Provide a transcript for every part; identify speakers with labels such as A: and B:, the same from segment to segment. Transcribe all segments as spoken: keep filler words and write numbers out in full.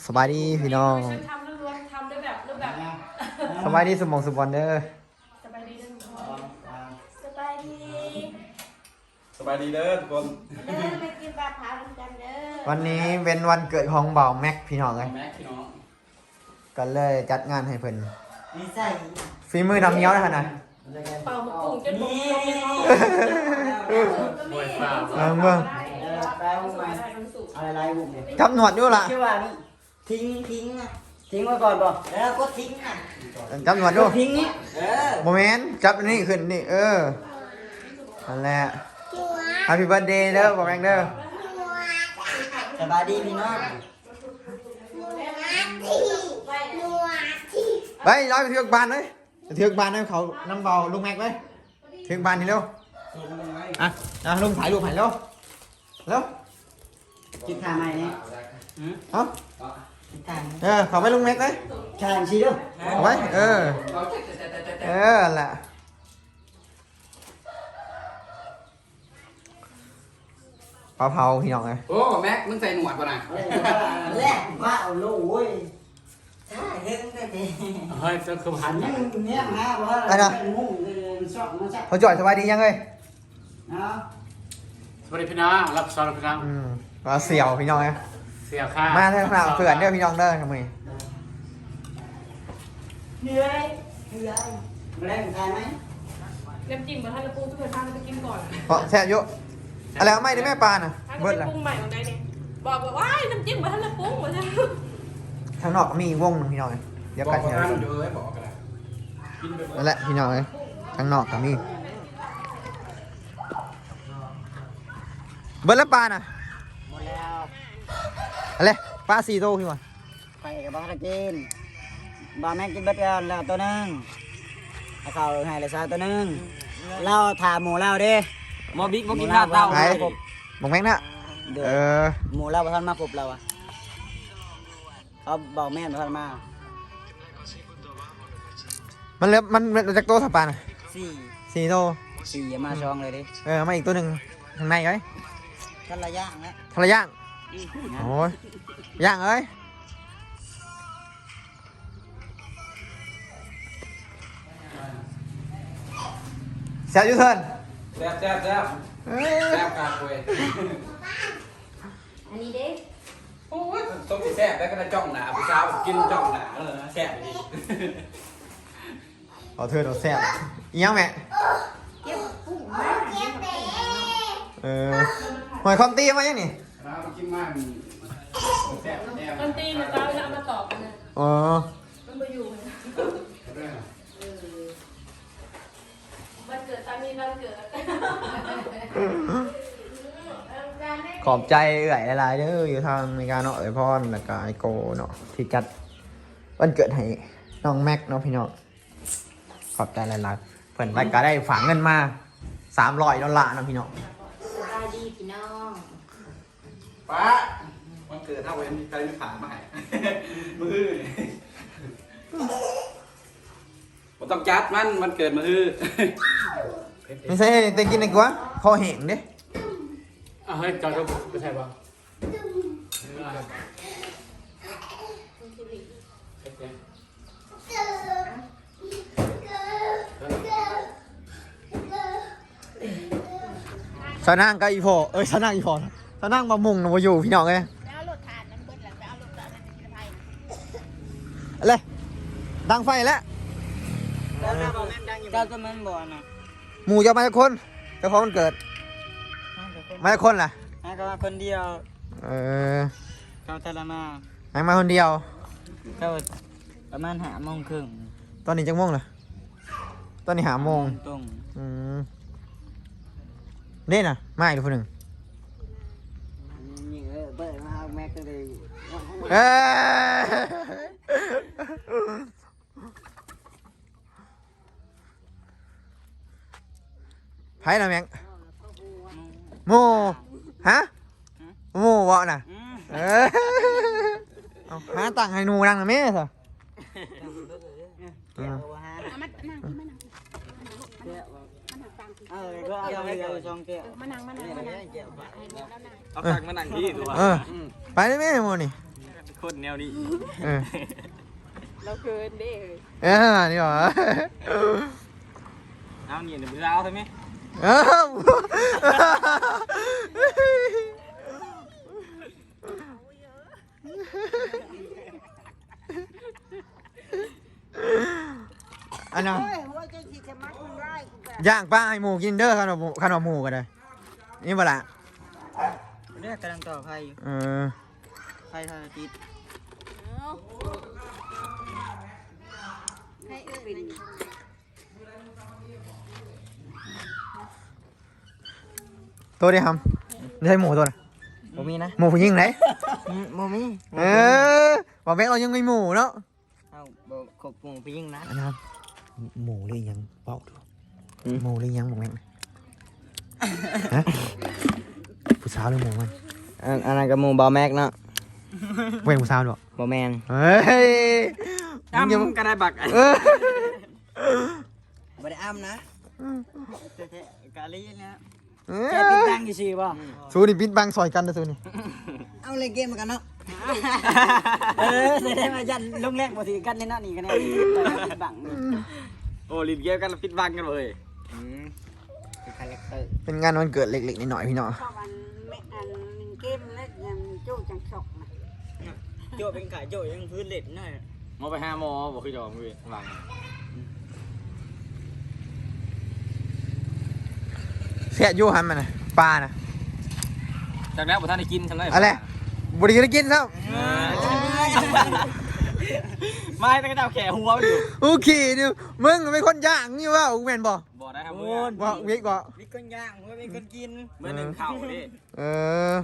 A: สบายดีพี่น้อง
B: ทำล้วนๆทำด้วยแบบรูปแบบ
A: สบายดีสมองสมบอลเด้อ
B: สบายดีเด้อทุกคนสบายดี
C: สบายดีเด้อทุกคน
B: เด้อไปกินปลาเผากันเด้อ
A: วันนี้เป็นวันเกิดของเบาแม็กพี่น้องเลย
C: แม็กพี่น้อง
A: ก็เลยจัดงานให้เพิ่น
D: ไม่ใช่
A: ฝีมือดำเงี้ยวนะฮะนะ
B: เป่าหมกกุ้งจนหมกลงในท้อง
C: บวยฟ้า
A: เออเบิ่ง
D: แปลว่าไงอะไรไรบุกเนี่ย
A: จับหนวดด้วยล่ะ
D: ชื่อว่านี่ทิ้งทิ้งอ่ะทิ้งไว้ก่อนบอกแล้วก็ทิ้งอ่ะ
A: จับหนวดด้วย
D: ทิ้งนี้เออ
A: โมเมนต์จับอันนี้ขึ้นนี่เออนั่นแหละ Happy birthday เด้อเบาแม็กเด้อ
D: สบายดีพี่น้อง
A: ไปร้อยไปเทือกบานเลยไปเทือกบานให้เขานำเบาลุงแม็กเลยเทือกบานนี่เร็วอ่ะอ่ะลุงถ่ายรูปถ่ายเร็วเร็ว
D: คิดทางไหนเนี่ย
A: เอา
D: คิดทาง
A: เออเขาไปลุงแม็กเลย
D: ทางชี้ด้วย
A: เอาไว้เออ เออแหละปลาเผาพี่น้องเลย
C: โอ้แม็กมึงใส่หนวดป่ะนะ
D: แรกว่าเอาลูกเว้ยใช่เฮ้ยได้ดี
C: เฮ้ยก็คือพัน
D: นี่เนี่ยมาว่าเป็นมุ่งชอบนะจ๊ะ
A: เขาจ่อยสบายดียังเลย
D: เนาะ
C: สวัสดีพี่น้องรับสอนพี่น้อง
A: อืมปลาเสี่ยวพี่น้องเลย
C: เสียค่า
A: มา
C: มา
A: เถอะครับเผื่อนเด้อพี่น้องเด้อทำไม
B: เหนื่อย
D: เหนื่อยแรงทานไหม
B: เล็บจิ้มมาท่านละปุ้งทุกคนทานไปกินก่อน
A: เพราะแซ่บเยอะอะไรเอาไม่ได้แม่ปลาน่ะ
B: ถ้า
A: เบิด
B: จะ
A: ละ
B: ปรุงใหม่ของใดเนี่ยบอกว่าว้ายน้ำจิ้มมาท่านละปุ้งมาท่าน
A: ทางนอกก็มีอีกวงหนึงพี่น้องเลยเดี๋ยว
C: บอ
A: กั
C: ก
A: น
C: ว่า
A: เดี๋ยว
C: ห้ามอยู่เลยบอกกันนะกินไป
A: นั่นแหละพี่น้องเลยทางนอกก็มีเบิดแล้วปลาน่ะ
D: หมดแล้ว
A: อะไรปลาสี่โตพี่วะ
D: ไปกับบ้านกินบ้านแม่กินเบัดกันแล้วตัวนึงเอาข้าวให้เลยซาตัวนึงเล่าถามหมูเล่าดิ
C: มอบิ๊กมอกินข้าวเต้า
A: ไหนบอกแม็กนะ
D: เดี๋ยว
A: เออ
D: หมูเล่าประทันมาปลุบเราอ่ะเขาบอกแม่ประทันมา
A: มันเหลือมันเหลือจากโตสับปลาน่ะ
D: สี่
A: สี่โต
D: สี่อย่ามาช่องเลยดิ
A: เออมาอีกตัวหนึ่งข้างในไว้
D: ท่านระยะนะ
A: ทะเลย่างโอ้ยย่างเอ้ยแซ่บอยูเทิร์น
C: แซ่บแซ่บแซ่บ
A: เอ้ย
C: แซ่บกาคุย
B: อันนี้เด้
C: โอ้ยต้มแซ่บแล้วก็ได้จ้องหนาผู้สาวกินจ้องหนาเออแซ่บดี
A: เอาเทิร์นเอาแซ่บอีหยังแม่
B: เก็บปุ้งมาเก็บเด้
A: เออหอยคอมตีมายังนี่
C: เรากินมันแซ่บแซ่บ
B: มันตีมันตาเวลามาตอบกันนะ
A: อ๋อ
B: มันไปอยู่มันเกิดตามนี้มันเกิด
A: ขอบใจเอื่อยหลายๆเด้ออยู่ทางอเมริกาเนาะเอ้ยพอนแล้วก็ไอโกเนาะที่จัดวันเกิดให้น้องแม็กเนาะพี่น้องขอบใจหลายๆเพื่อนไปก็ได้ฝากเงินมาสามร้อยดอลลาร์เนาะพี่น้อง
B: สบายดีพี่น้อง
C: ป้าวันเกิดถ้าเว้นใครไม่ผ่านมาให้มือผมต้องจัดมันมันเกิดมือ
A: ไม่ใช่แต่กินดีกว่าคอแห้งเด้
C: อ่ะเฮ้ยจอดก็ไม่ใช่ป่ะ
A: สนั่งกับอีพอเอ้ยสนั่งอีพอสนั่งมามุงนะมาอยู่พี่น้องเลย
B: แล้วรถทานนั้นเบิดหลังไปเอารถทานนั้นจะไป
A: อะไรดังไฟแล้ว
D: แล้วหน้าบอกแม่ดังอยู่เจ้าตัวมันบ่อนะ
A: หมู่จะมาจากคนเจ้าของมันเกิดมาจากคนล่ะ
D: ให้เขามาคนเดียว
A: เออ
D: เขาทรมา
A: ให้มาคนเดียว
D: เขาประมาณหาโมงครึ่ง
A: ตอนนี้จังโมงล่ะตอนนี้หาโมง
D: ตรง
A: อืมนี่น่ะมาอีกคนหนึ่ง
D: นี่เออเปิดมาเอาแม็กก็เลย
A: เอ้ยไพ่นะแมงโมฮะโมวะน่ะ
D: อืม
A: เออเอาหาตังค์ให้หนูนั่งนะแม่สิ
D: เกี่ยววะฮะ
B: มันนั่งที่มันนั่ง
D: เกี่ยว
B: มันนั่งตัง
D: เออก็เอาไปเอาช่องเกี่ยว
B: มันนั่งมันนั่งมันนั่ง
D: เกี่ยว
B: ให้แล้วนั่ง
C: เอาตังค์มานั่งที่ตัว
A: เออไปได้ไหมโมนี่
E: คนแนวนี้
A: เออ
B: เราเกินเด้เลย
A: เออนี่หรอ
E: เอาเนี่ยเดี๋ยวเราเอาใช่ไหม
A: เอ้าอันนั้นย่างป้าให้หมูกินเด้อขนมขนมหมูกันเลยนี่บ่ละ
D: เรียกกำลังต่อไฟอยู่
A: เออ
D: ไฟทางอาทิตย์
B: ให้เอื้อน
A: ตัวเดียวครับได้หมูตัวน่ะ
D: บ่มีนะ
A: หมูผู้หญิงไหน
D: บ่มี
A: เออบอกแม่เรายังไม่หมูเนาะ
D: เอาบ่ขบปุ่งไปยิงนะ
A: อันนั้นหมูหรือยังเปล่าดูหมูหรือยังบอกแม่ฮะผู้สาวหรือหมูมัน
D: อันอันนั้นก็หมู่บ่แม็กเนาะ
A: เว้นผู้สาวด้วย
D: บ่แม่น
A: เฮ้ย
E: อ้ำก็ได้บัก
A: เออ
D: บ่ได้อ้ำนะกะลีนะ
A: เอ
D: แค่ปิด
A: อ
D: ดังซื่อๆบ่
A: สู้นี่ปิดบังซอยกันนะสู้นี่
D: เอาเล่นเกมกันเนาะเออแสดงว่ายันลงแรกบ่ถือกันในนั้นนี่กันแน่ปิดบัง
E: โอ้ลินเกมกันฟิตบังกันเลย
D: อืมเป็นคาแรคเตอร์
A: เป็นงานวันเกิดเล็กๆนิดหน่อยพี่น้อง
B: ชอบอันไม่อันเกมเล็กยังโจ้จังชกนะ
D: โจเป็นขายโจยังพื้นเล็ดหน่อย
E: มอไปห้าโมบอกคือจอมเลยบัง
A: เสียอยู่หันมันนะปลานะ
E: จากแล้วบ่ท่านได้กินทำไร
A: อะไรบริการกินครับ
E: ไม่ตั้งแต่แขหัวอยู่
A: โอเคเนี่ยมึงเป็นคนย่างนี่ว่าแมนบอก
E: บ่ได้ครับ
D: โอ้
E: เมื่อย
A: บอกวิกบอก
D: มีคนย่างหัวมีคนกิน
E: เมื่อหนึ่งเข่าดิ
A: เออ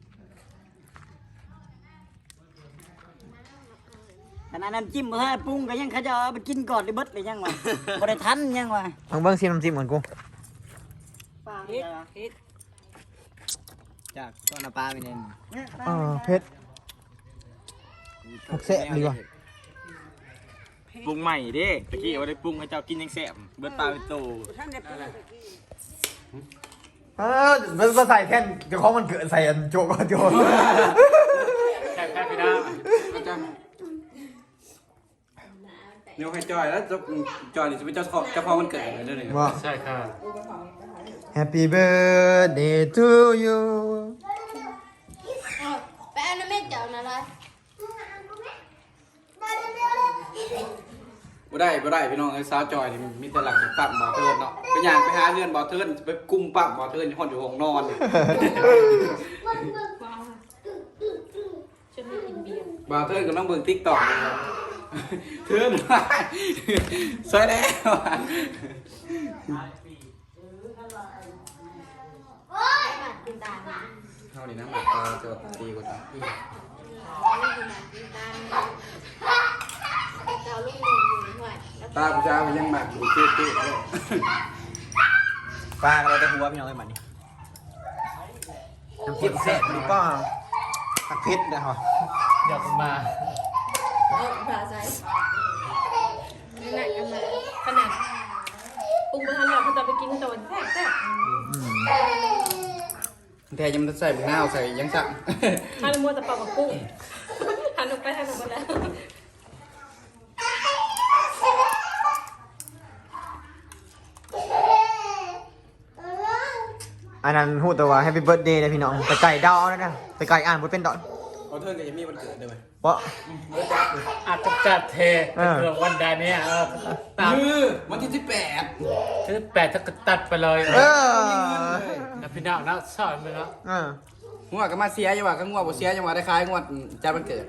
D: ขนาดน้ำจิ้มบ่ทันปรุงก็ยังเขาจะเอาไปกินก่อนได้เบิดเลยยังวะบ่ได้ทันยังวะ
A: ลองเบิ้งซีน้ำจิ้มก่อนกู
B: ปลา
D: เฮ็ดเฮ็ดจากต้นน้ำปลาไปเนี่ย
A: เออเพชรผักแสบดีกว่า
E: ปรุงใหม่ดิตะกี้ว่าได้ปรุงให้เจ้ากินยังแซ่บเบิดปลาเป็นโต
B: ท่านได้ปลา
A: เออมันมาใส่แท่นเจะของมันเกิดใส่อันโจก่อนโจ
E: แซ่บแซ่บพี่น้า
C: เดี๋ยวให้จอยแล้วจะจอยนี่จะเป็นเจ้าของเจ้าของวันเกิดอะไรเรื่องนี้
A: ว่า
E: ใช่ค่ะ
A: Happy birthday to you
B: ไปอันนั้นไม่เจ้านะล่ะ
C: บ่ได้บ่ได้พี่น้องไอ้สาวจอยนี่มีแต่หลังจากปั๊มบ่อเทินเนาะไปย่างไปหาเรือนบ่อเทินไปกุมปั๊มบ่อเทินอยู่ห้องอยู่ห้องนอนนี่
B: ฉันไม่กินเบียร์
C: บ่อเทินก็ต้องเบิ่ง TikTok นี่ครับเทินว่าสวยแล้ว
B: กินตาล
C: เท่านี้นะหมักตาจะตีกว่าตา
B: กินตาลเราลูกหนึ่งอยู่หน่วย
C: ตาผู้ชายมันยังหมักอยู่เจ๊ๆเลย
A: ปลาอะไรแต่หัวพี่น้องไอ้มันนี่น้ำจิ้มแซ่บดีก็ผักเพชรนะครับ
E: เดี๋ยวผมมา
B: เอาปลาใส่นี่แหละกันมาขนาดปรุงมาทันเราเขาจะไปกินตอนแท้แท้
C: แทยังมันใส่มะนาวใส่ยังสั่ง
B: ฮันมัวแต่ปลากับกุ้งหันออกไปหันออกมาแล้ว
A: อันนั้นพูดแต่ว่า Happy Birthday เลยพี่น้องไปไก่ดาวนะนะไปไก่อ่านบทเป็นดอน
C: เอาเทินกับยังมีวันเกิดด้วย
A: เพราะ
E: อาจจะจัดเทเกิดวันใดเนี่ยเออตาม
C: คือวันที่สิบแปด
E: ที่แปดถ้าตัดไปเลย
A: เออ
E: นะพี่น้องนะสอนไปแล้ว
A: เออ
C: งัวก็มาเสียยังว่าก็งัวบ่เสียยังว่าได้ขายงวดจานวันเกิด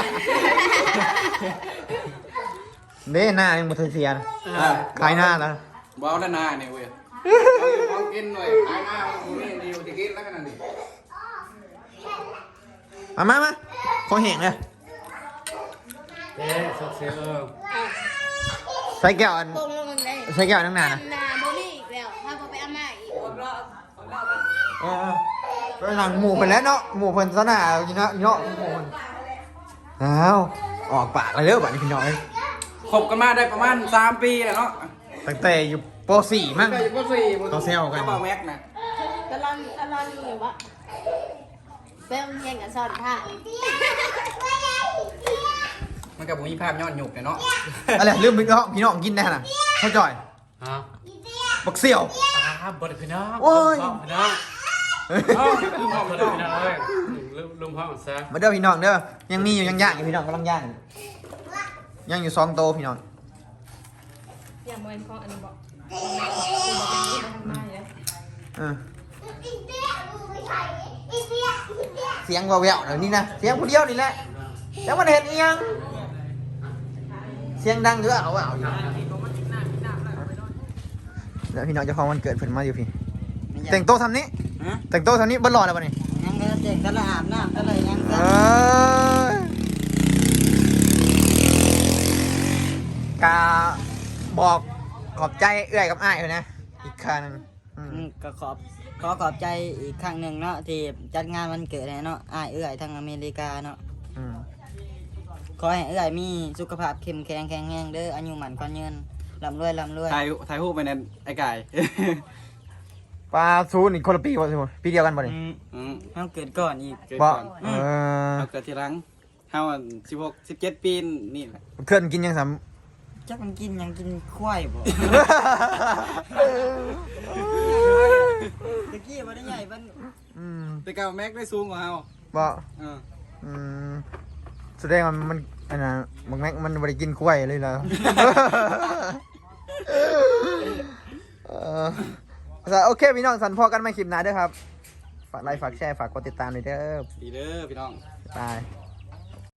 A: เด้หน้ายังบ่ทันเสียนะขายหน้าแล้ว
C: บ่เอาแล้วนาเนี่ยเว้ยเอาอยู่ของกินหน่อยขายหน้ามึงนี่ดีกว่าที่กินแล้วขนาดนี้
A: มามามาขอแห้งเลย
E: เอ๊ะสุดเสียเออ
A: ใส่แก้วอัน
B: ปรุงลงเลย
A: ใส่แก้วนั่งนานนะ
B: นาโมนี่อีกแล้วถ้าพอไปเอามาอีก
A: เออไปสั่งหมูเพิ่นแล้วเนาะหมูเพิ่นซะหน้ากินเนาะเนาะหมูเพิ่นอ้าวออกปากเลยเด้อบัดนี้พี่น้องเอ้ย
C: คบกันมาได้ประมาณสามปีแล้วเนาะ
A: ตั้งแต่อยู่ป .สี่ มั้ง
C: ก็อยู่ปสี่
A: เขาแซวกัน
C: เบาแม็กนะ
B: ตะลอนตะลอนอยู่วะเป้งเฮียงกับซอนท่า
C: มันกับผมมีภาพย้อนหยุกเนี่ยเนาะ
A: อะไรลืมพี่น้องพี่น้องกินได้น่ะเข้าจ่อย
F: ฮะ
A: บักเสี่ยว
F: อ่าบไดพี่น้อง
A: โอ้ย
F: ลุงพ่อพี่น้องเอ้าลุงพ่อพี่น้องพี่น้องเอ้ยลุงลุงพ่อซะ
A: มาเด้อพี่น้องเด้อยังมีอยู่ยังย่างอยู่พี่น้องกำลังย่างอยู่ย่างอยู่สองโตวพี่น้อง
B: อย่างโมเอนของอันนี้บอกแม่บอกเป็นนี่มันมาเลย
A: เออเสียงว่าแววๆเดี๋ยวนี้นะเสียงผู้เดียวนี่แหละแล้วมันเห็นอีหยังเสียงดังเยอะเอาเอาอยู่แล้วพี่น้องเจ้าของวันเกิดเพิ่นมาอยู่พี่แต่งโต๊ะทำนี้
D: ฮะ
A: แต่งโต๊ะทำนี้เบิ้ลรอแล้วป่ะนี่
D: ยังก็เด็กก็เลยอาบน้ำก็เลยยัง
A: เอ
D: ก็
A: อกาบอกขอบใจเอื้อยกับอ้ายเลยนะอีกครั้งหนึงอืม
D: อืมก็ขอบขอขอบใจอีกครั้งหนึ่งเนาะที่จัดงานวันเกิดให้เนาะอ้ายเอื้อยทางอเมริกาเนาะ
A: อืม
D: ขอให้เอื้อยมีสุขภาพเข้มแข็งแข็งแรงเด้ออายุหมันขวัญยืนร่ำรวยร่ำรวย
C: ถ่ายถ่ายรูปไปในไอ้ไก่
A: ปลาซูนอีกคนละปีป่ะสิปีเดียวกันป่ะนี่
D: อืม
C: อืม
D: เฮาเกิดก่อนอีก
C: เกิด
A: บ่
C: ก่อน
A: เออ
C: เราเกิดทีหลังเฮาสิบหกสิบเจ็ดปีนี่แหละ
A: เพื่อนกินยังสาม
D: จักมันกินหยังกินควายบ่ ตะกี้บ่ได้ใหญ่มัน
A: อืม
C: แต่เก่าแม็กได้สูงกว่าเฮา
A: บ่
C: เออ
A: อืมแสดงว่ามันอันน่ะมันแม็กมันบ่ได้กินกล้วยเลยเหรอ เออโอเคพี่น้องสันพอกันใหม่คลิปหน้าเด้อครับฝากไลค์ฝากแชร์ฝากกดติดตามด้วยเด้อ
C: ดีเด้อพี่น้อง
A: บาย